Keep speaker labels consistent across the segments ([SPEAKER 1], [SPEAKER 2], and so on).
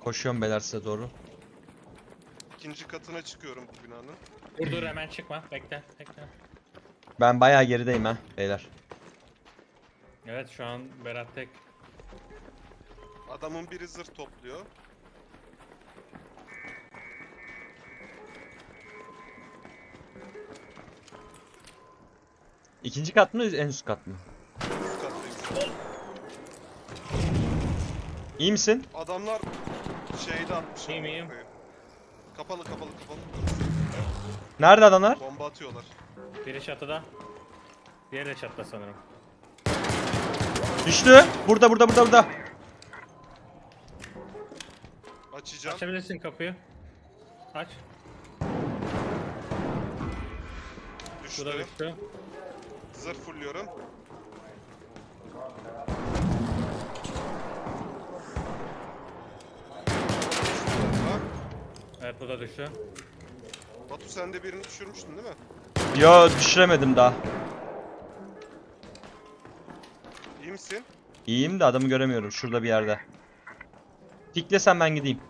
[SPEAKER 1] Koşuyorum beyler size doğru.
[SPEAKER 2] İkinci katına çıkıyorum bu binanın.
[SPEAKER 3] Dur hemen çıkma. Bekle.
[SPEAKER 1] Ben bayağı gerideyim ha beyler.
[SPEAKER 3] Evet şu an Berat tek.
[SPEAKER 2] Adamın biri zırh topluyor.
[SPEAKER 1] İkinci kat mı en üst kat mı?
[SPEAKER 2] Üst kattayım.
[SPEAKER 1] İyi misin?
[SPEAKER 2] Adamlar şeyde atmış.
[SPEAKER 3] İyiyim, iyiyim.
[SPEAKER 2] Kapalı.
[SPEAKER 1] Nerede adamlar?
[SPEAKER 2] Bomba atıyorlar.
[SPEAKER 3] Biri çatıda. Diğeri de çatıda sanırım.
[SPEAKER 1] Düştü. Burada.
[SPEAKER 2] Açacağım.
[SPEAKER 3] Açabilirsin kapıyı. Aç. Bu da
[SPEAKER 2] Düştü.
[SPEAKER 3] düştü.
[SPEAKER 2] Zırh fulluyorum. Bomba.
[SPEAKER 3] Evet bu da düştü.
[SPEAKER 2] Batu sen de birini düşürmüştün değil mi?
[SPEAKER 1] Yo düşüremedim daha.
[SPEAKER 2] İyi misin?
[SPEAKER 1] İyiyim de adamı göremiyorum şurada bir yerde. Tiklesem ben gideyim.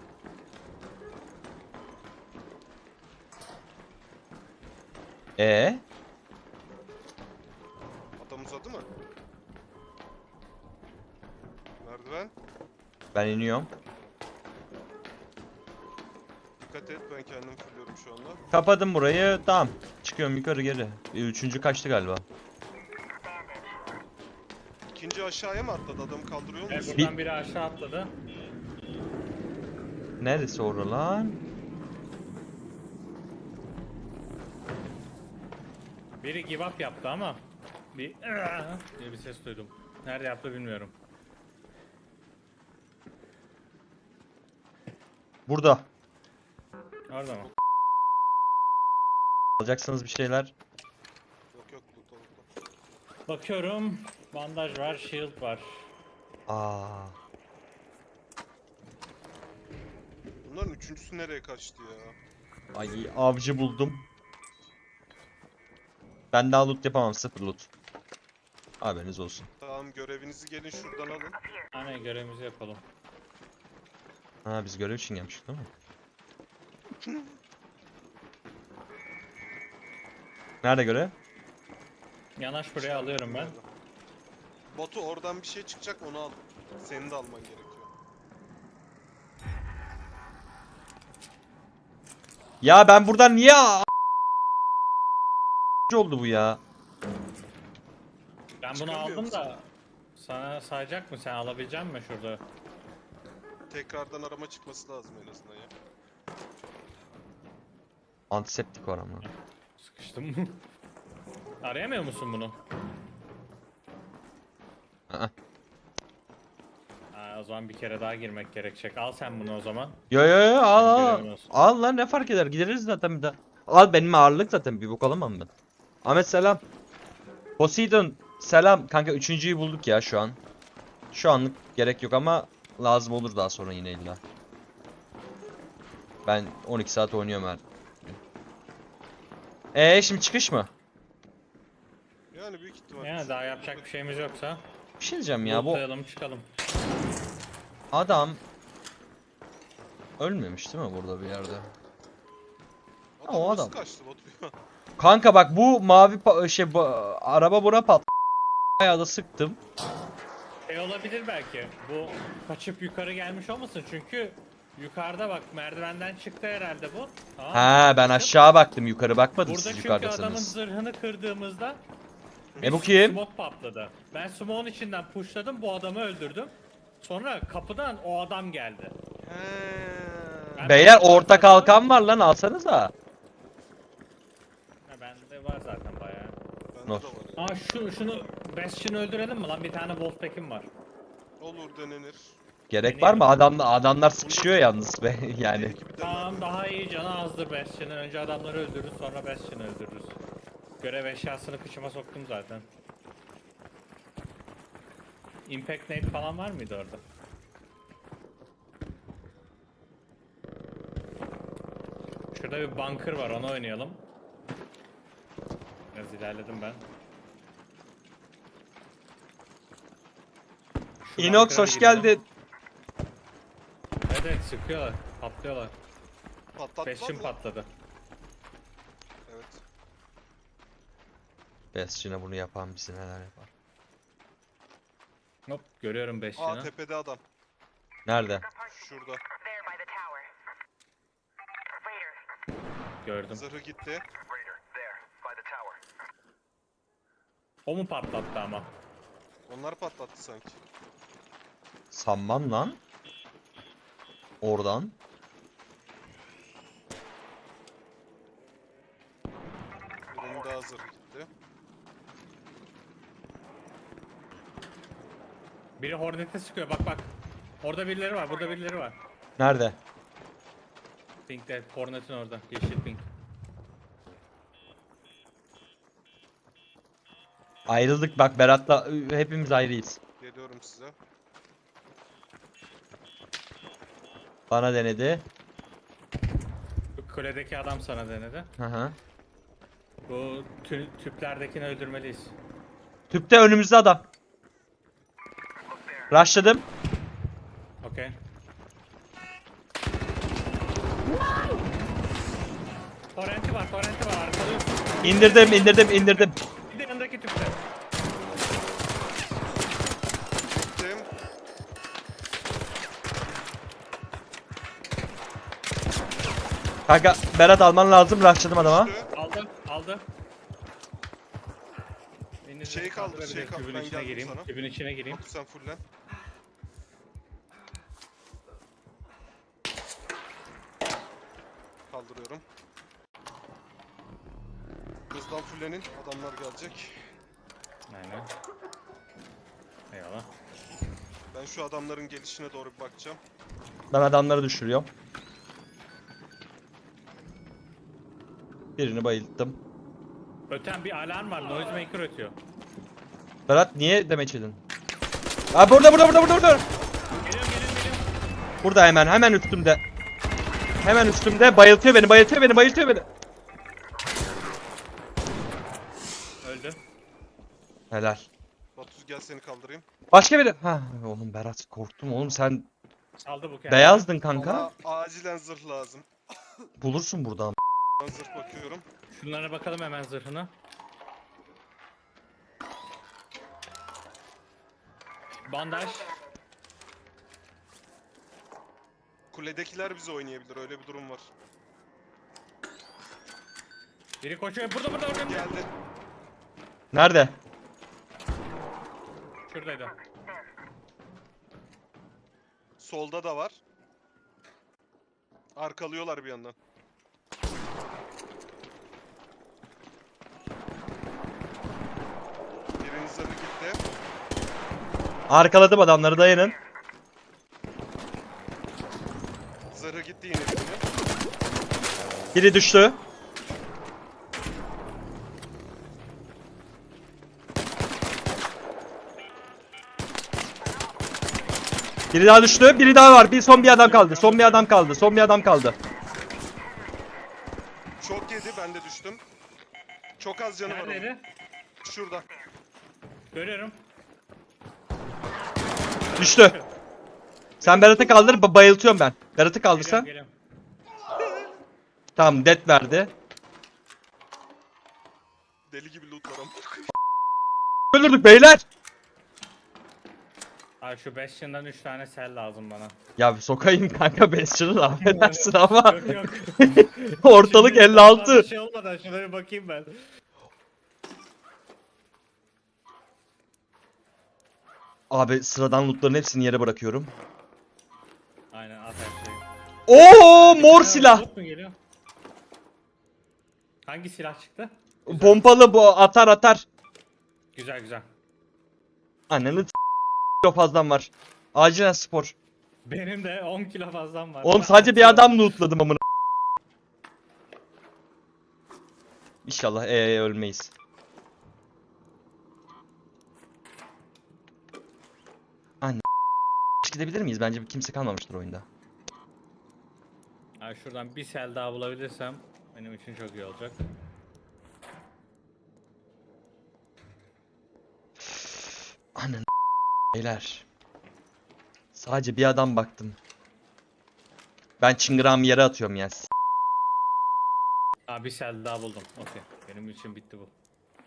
[SPEAKER 2] Adam uzadı mı? Merdiven.
[SPEAKER 1] Ben iniyorum.
[SPEAKER 2] Dikkat et, ben kendim fulluyorum şu anda.
[SPEAKER 1] Kapadım burayı. Tamam. Çıkıyorum yukarı geri. Üçüncü kaçtı galiba.
[SPEAKER 2] İkinci aşağıya mı atladı? Adamı kaldırıyor
[SPEAKER 3] Evet
[SPEAKER 2] musun?
[SPEAKER 3] buradan biri aşağı atladı.
[SPEAKER 1] Neresi orada lan?
[SPEAKER 3] Biri give up yaptı ama bir diye bir ses duydum. Nerede yaptı bilmiyorum.
[SPEAKER 1] Burada.
[SPEAKER 3] Orada mı?
[SPEAKER 1] Alacaksınız bir şeyler.
[SPEAKER 2] Yok loot.
[SPEAKER 3] Bakıyorum. Bandaj var, shield var.
[SPEAKER 1] Aa.
[SPEAKER 2] Bunların üçüncüsü nereye kaçtı ya?
[SPEAKER 1] Ay avcı buldum. Ben daha loot yapamam, sıfır loot. Haberiniz olsun.
[SPEAKER 2] Tamam, görevinizi gelin şuradan alın.
[SPEAKER 3] Hani görevimizi yapalım.
[SPEAKER 1] Ha biz görev için gelmiştik değil mi? Nerede görev?
[SPEAKER 3] Yanaş buraya alıyorum ben.
[SPEAKER 2] Batu oradan bir şey çıkacak, onu al. Senin de alman gerekiyor.
[SPEAKER 1] Ya ben buradan niye oldu bu ya?
[SPEAKER 3] Ben bunu
[SPEAKER 2] Çıkamıyor
[SPEAKER 3] aldım
[SPEAKER 2] musun?
[SPEAKER 3] da sana sayacak mı? Sen alabilecek misin şurada?
[SPEAKER 2] Tekrardan arama çıkması lazım en azından ya.
[SPEAKER 1] Antiseptik var ama.
[SPEAKER 3] Sıkıştım. Arayamıyor musun bunu?
[SPEAKER 1] Aa.
[SPEAKER 3] O zaman bir kere daha girmek gerekecek. Al sen bunu o zaman.
[SPEAKER 1] Yo al.
[SPEAKER 3] Görevin olsun.
[SPEAKER 1] Al lan ne fark eder, gideriz zaten bir daha. Al benim ağırlık zaten, bir bok alamam ben. Ahmet selam. Poseidon selam. Kanka üçüncüyü bulduk ya şu an. Şu anlık gerek yok ama lazım olur daha sonra yine illa. Ben 12 saat oynuyorum her. Şimdi çıkış mı?
[SPEAKER 2] Yani büyük ihtimal.
[SPEAKER 3] Yani daha yapacak bir şeyimiz yoksa
[SPEAKER 1] Bir şey diyeceğim ya, bu
[SPEAKER 3] lootlayalım çıkalım.
[SPEAKER 1] adam ölmemiş değil mi burada bir yerde? O
[SPEAKER 2] nasıl
[SPEAKER 1] adam.
[SPEAKER 2] kaçtı Batu ya?
[SPEAKER 1] Kanka bak bu mavi araba buna pat. Bayağı da sıktım.
[SPEAKER 3] Olabilir belki. Bu kaçıp yukarı gelmiş olmasın çünkü yukarıda bak merdivenden çıktı herhalde bu. Tamam.
[SPEAKER 1] Ha ben aşağı baktım, yukarı bakmadım,
[SPEAKER 3] Burada
[SPEAKER 1] siz
[SPEAKER 3] çünkü adamın
[SPEAKER 1] yukarıdasınız.
[SPEAKER 3] zırhını kırdığımızda
[SPEAKER 1] Bu kim?
[SPEAKER 3] smoke patladı. Ben smoke'un içinden pushladım, bu adamı öldürdüm. Sonra kapıdan o adam geldi. Ben
[SPEAKER 1] Beyler orta kalkan var lan, alsanıza.
[SPEAKER 3] Ha, bende var zaten bayağı.
[SPEAKER 2] Bende
[SPEAKER 1] Not.
[SPEAKER 2] de var ya.
[SPEAKER 3] Şunu Bastion'ı öldürelim mi lan? Bir tane Wolfpack'im var.
[SPEAKER 2] Olur, denenir.
[SPEAKER 1] Gerek var mı? Adamlar sıkışıyor yalnız be yani.
[SPEAKER 2] Belki bir
[SPEAKER 3] Tamam daha iyi canı azdır Bastion'ın. Önce adamları öldürürüz sonra Bastion'ı öldürürüz. Görev eşyasını kıçıma soktum zaten. Impact Nade falan var mıydı orada? Şurada bir bunker var, onu oynayalım. Biraz ilerledim ben. Şu
[SPEAKER 1] Inox
[SPEAKER 3] bunker'a
[SPEAKER 1] hoş
[SPEAKER 3] gidelim.
[SPEAKER 1] geldin.
[SPEAKER 3] Evet evet sıkıyorlar. Patlıyorlar.
[SPEAKER 2] Patlattılar
[SPEAKER 3] Bastion
[SPEAKER 2] mı?
[SPEAKER 3] patladı.
[SPEAKER 2] Evet.
[SPEAKER 1] Bastion'a bunu yapan bizi neler yapar.
[SPEAKER 3] Hop görüyorum
[SPEAKER 2] Aa
[SPEAKER 3] Bastion'ı.
[SPEAKER 2] tepede adam.
[SPEAKER 1] Nerede?
[SPEAKER 2] Şurada.
[SPEAKER 4] There by the tower. Raider.
[SPEAKER 3] Gördüm.
[SPEAKER 2] Zırhı gitti.
[SPEAKER 4] Raider. There by the tower.
[SPEAKER 3] O mu patlattı ama?
[SPEAKER 2] Onlar patlattı sanki.
[SPEAKER 1] Sanmam lan. Oradan.
[SPEAKER 2] Birinin daha zırhı gitti.
[SPEAKER 3] Biri Hornet'e sıkıyor bak bak. Orada birileri var, burada birileri var.
[SPEAKER 1] Nerede?
[SPEAKER 3] Pink'te, Hornet'in orada. Yeşil pink.
[SPEAKER 1] Ayrıldık bak Berat'la hepimiz ayrıyız.
[SPEAKER 2] Geliyorum size.
[SPEAKER 1] Bana denedi.
[SPEAKER 3] Bu kuledeki adam sana denedi.
[SPEAKER 1] Hı hı.
[SPEAKER 3] Bu tüplerdekini öldürmeliyiz.
[SPEAKER 1] Tüpte önümüzde adam. Rushladım.
[SPEAKER 3] Okey. Torrenti var, torrenti var. Arkalıyor.
[SPEAKER 1] İndirdim.
[SPEAKER 3] Bir de yanındaki tüpte.
[SPEAKER 2] Gittim.
[SPEAKER 1] Kanka Berat alman lazım. Rushladım adama.
[SPEAKER 2] Düştü.
[SPEAKER 3] Aldı, aldı. Elinizi
[SPEAKER 2] Şey kaldı,
[SPEAKER 3] kaldırabilir,
[SPEAKER 2] şey kaldı.
[SPEAKER 3] Kübün
[SPEAKER 2] Ben
[SPEAKER 3] içine
[SPEAKER 2] geldim
[SPEAKER 3] gireyim.
[SPEAKER 2] sana.
[SPEAKER 3] Kübün içine gireyim.
[SPEAKER 2] Batu sen fullen. Kaldırıyorum. Hızdan fullenin. Adamlar gelecek.
[SPEAKER 3] Aynen. Eyvallah.
[SPEAKER 2] Ben şu adamların gelişine doğru bir bakacağım.
[SPEAKER 1] Ben adamları düşürüyorum. Birini bayılttım.
[SPEAKER 3] Öten bir alarm var. Noisemaker ötüyor.
[SPEAKER 1] Berat niye demeç edin? Aa burada.
[SPEAKER 3] Geliyorum.
[SPEAKER 1] Burada hemen üstümde. Hemen üstümde bayıltıyor beni.
[SPEAKER 3] Öldü.
[SPEAKER 1] Helal.
[SPEAKER 2] Batu gel seni kaldırayım.
[SPEAKER 1] Başka biri. Ha oğlum Berat korktum oğlum sen
[SPEAKER 3] Saldı bu kendini.
[SPEAKER 1] beyazdın kanka.
[SPEAKER 2] Bana acilen zırh lazım.
[SPEAKER 1] Bulursun buradan.
[SPEAKER 2] Ben zırh bakıyorum.
[SPEAKER 3] Şunlara bakalım hemen zırhına. Bandaj.
[SPEAKER 2] Kuledekiler bizi oynayabilir. Öyle bir durum var.
[SPEAKER 3] Biri koşuyor. Burada.
[SPEAKER 2] Geldi.
[SPEAKER 1] Nerede?
[SPEAKER 3] Şuradaydı.
[SPEAKER 2] Solda da var. Arkalıyorlar bir yandan. Birinin zırhı gitti.
[SPEAKER 1] Arkaladım adamları dayanın.
[SPEAKER 2] Zırhı gitti yine birinin.
[SPEAKER 1] Biri düştü. Biri daha düştü. Biri daha var. Son bir adam kaldı.
[SPEAKER 2] Çok yedi, ben de düştüm. Çok az canı var onun.
[SPEAKER 3] Neredeydi?
[SPEAKER 2] Şurada.
[SPEAKER 3] Görüyorum.
[SPEAKER 1] Düştü. Sen Berat'ı kaldır. Bayıltıyorum ben. Berat'ı kaldırsan.
[SPEAKER 3] Geliyorum.
[SPEAKER 1] Tamam death verdi.
[SPEAKER 2] Deli gibi lootlar ama.
[SPEAKER 1] Öldürdük beyler.
[SPEAKER 3] Abi şu Bastion'dan 3 tane sel lazım bana.
[SPEAKER 1] Ya sokayım kanka Bastion'ı affedersin ama
[SPEAKER 3] Yok yok.
[SPEAKER 1] ortalık
[SPEAKER 3] Şimdi
[SPEAKER 1] 56.
[SPEAKER 3] fazla şey olmadan şuna bir bakayım ben.
[SPEAKER 1] Abi sıradan lootların hepsini yere bırakıyorum.
[SPEAKER 3] Aynen at her şeyi.
[SPEAKER 1] Oo mor
[SPEAKER 3] Ha,
[SPEAKER 1] silah.
[SPEAKER 3] bot mu geliyor? Hangi silah çıktı?
[SPEAKER 1] Pompalı bu atar.
[SPEAKER 3] Güzel güzel.
[SPEAKER 1] Ananı kilo fazlam var. Acilen spor.
[SPEAKER 3] Benim de 10 kilo fazlam var.
[SPEAKER 1] Oğlum sadece bir adam lootladım amına. İnşallah ölmeyiz. Anne gidebilir miyiz? Bence kimse kalmamıştır oyunda.
[SPEAKER 3] Abi şuradan bir sel daha bulabilirsem benim için çok iyi olacak.
[SPEAKER 1] Anne beyler. Sadece bir adam baktım. Ben çıngırağımı yere atıyorum ya.
[SPEAKER 3] Aa, bir sel daha buldum. Okey. Benim için bitti bu.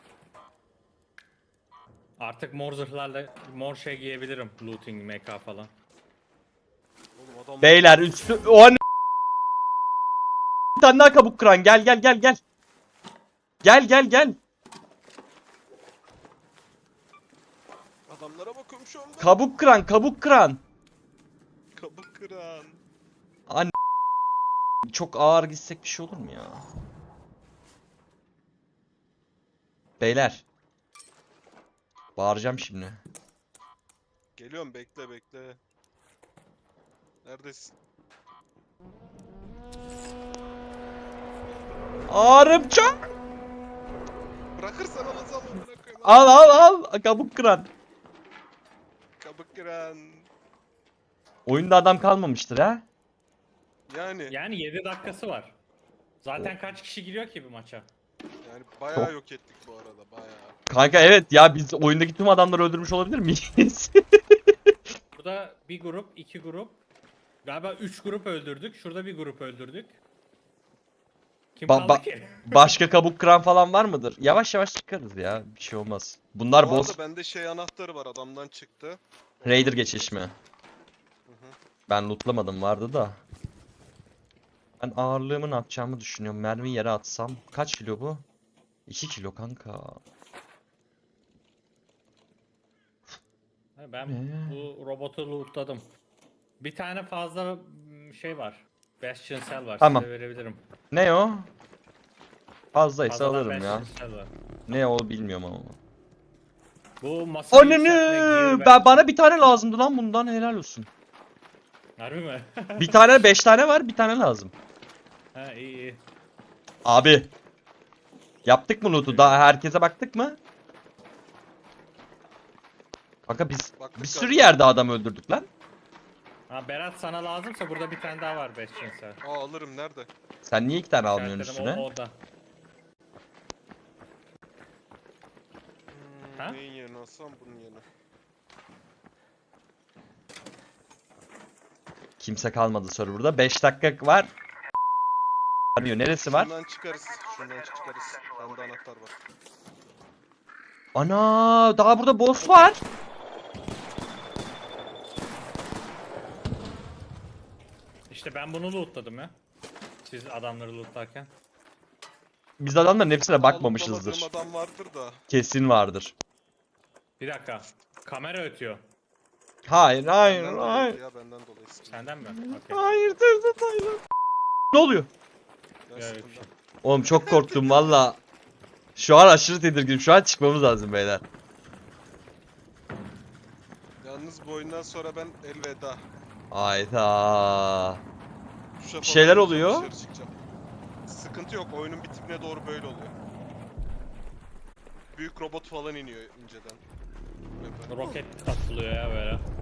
[SPEAKER 3] Artık mor zırhlarla mor şey giyebilirim. Looting, MK falan.
[SPEAKER 2] Oğlum adam
[SPEAKER 1] Beyler üstü... O an... Bir tane daha kabuk kıran. Gel gel gel gel. Gel gel gel.
[SPEAKER 2] adamlara bakıyorum şu anda.
[SPEAKER 1] Kabuk kıran, kabuk kıran.
[SPEAKER 2] Kabuk kıran.
[SPEAKER 1] Çok ağır gitsek bir şey olur mu ya? Beyler. Bağıracağım şimdi.
[SPEAKER 2] Geliyorum, bekle bekle. Neredesin?
[SPEAKER 1] Ağrım çok.
[SPEAKER 2] Bırakırsan alacağım onu, bırakıyorum.
[SPEAKER 1] Al al al. Kabuk kıran.
[SPEAKER 2] Kabuk kıran.
[SPEAKER 1] Oyunda adam kalmamıştır ha?
[SPEAKER 2] Yani
[SPEAKER 3] Yani 7 dakikası var. Zaten kaç kişi giriyor ki bir maça?
[SPEAKER 2] bayağı yok ettik bu arada, bayağı.
[SPEAKER 1] Kanka evet ya, biz oyundaki tüm adamları öldürmüş olabilir miyiz?
[SPEAKER 3] Burada bir grup, iki grup. Galiba 3 grup öldürdük. Şurada bir grup öldürdük. Kim
[SPEAKER 1] Ba-
[SPEAKER 3] kaldı
[SPEAKER 1] ba-
[SPEAKER 3] ki?
[SPEAKER 1] Başka kabuk kıran falan var mıdır? Yavaş yavaş çıkarız ya. Bir şey olmaz. Bunlar
[SPEAKER 2] Bu
[SPEAKER 1] boss.
[SPEAKER 2] arada bende şey anahtarı var, adamdan çıktı.
[SPEAKER 1] Raider geçiş mi?
[SPEAKER 2] Hı hı.
[SPEAKER 1] Ben lootlamadım, vardı da. Ben ağırlığımı ne yapacağımı düşünüyorum. Mermiyi yere atsam. Kaç kilo bu? 2 kilo kanka.
[SPEAKER 3] Ben bu robotu lootladım. Bir tane fazla şey var. Bastion Cell var.
[SPEAKER 1] Tamam.
[SPEAKER 3] Size verebilirim.
[SPEAKER 1] Ne o? Fazlaysa
[SPEAKER 3] Fazladan
[SPEAKER 1] alırım ya.
[SPEAKER 3] Bastion Cell var.
[SPEAKER 1] Ne o bilmiyorum ama.
[SPEAKER 3] Bu masayı yükseltme, gear
[SPEAKER 1] Bana bir tane lazımdı lan bundan, helal olsun.
[SPEAKER 3] Harbi mi?
[SPEAKER 1] Bir tane 5 tane var, bir tane lazım.
[SPEAKER 3] Ha, iyi iyi.
[SPEAKER 1] Abi. Yaptık mı loot'u? Daha herkese baktık mı? Kanka biz
[SPEAKER 2] Baktık
[SPEAKER 1] bir sürü
[SPEAKER 2] galiba.
[SPEAKER 1] yerde adam öldürdük lan.
[SPEAKER 3] Ha, Berat sana lazımsa burada bir tane daha var Bastion Cell.
[SPEAKER 2] Alırım, nerede?
[SPEAKER 1] Sen niye 2 tane almıyorsun
[SPEAKER 3] İşaretledim,
[SPEAKER 1] üstüne?
[SPEAKER 3] o orada. Ha?
[SPEAKER 2] Neyin yerine alsam, bunun yerine.
[SPEAKER 1] Kimse kalmadı serverda. 5 dakika var. Arıyor. Neresi var?
[SPEAKER 2] Şundan çıkarız, şundan çıkarız. Bende anahtar var.
[SPEAKER 1] Ana, daha burada boss var.
[SPEAKER 3] İşte ben bunu lootladım ya. Siz adamları lootlarken.
[SPEAKER 1] Biz adamların hepsine
[SPEAKER 2] Alıp
[SPEAKER 1] bakmamışızdır.
[SPEAKER 2] alamadığım adam vardır da.
[SPEAKER 1] Kesin vardır.
[SPEAKER 3] Bir dakika. Kamera ötüyor.
[SPEAKER 1] Hayır, hayır,
[SPEAKER 2] Benden
[SPEAKER 1] hayır.
[SPEAKER 2] dolayı ya, benden dolayı sıkıntı.
[SPEAKER 3] Senden mi? Okey.
[SPEAKER 1] Hayır, hayır. Ne oluyor?
[SPEAKER 2] Ya,
[SPEAKER 3] Ya,
[SPEAKER 2] sıkıntı.
[SPEAKER 3] bir şey.
[SPEAKER 1] Oğlum çok korktum valla. Şu an aşırı tedirginim. Şu an çıkmamız lazım beyler.
[SPEAKER 2] Yalnız bu oyundan sonra ben elveda.
[SPEAKER 1] Hayda.
[SPEAKER 2] Tuşa
[SPEAKER 1] Bir şeyler
[SPEAKER 2] falan
[SPEAKER 1] oluyor.
[SPEAKER 2] dışarı çıkacağım. Sıkıntı yok, oyunun bitimine doğru böyle oluyor. Büyük robot falan iniyor inceden. Map'e.
[SPEAKER 3] Roket atılıyor ya böyle.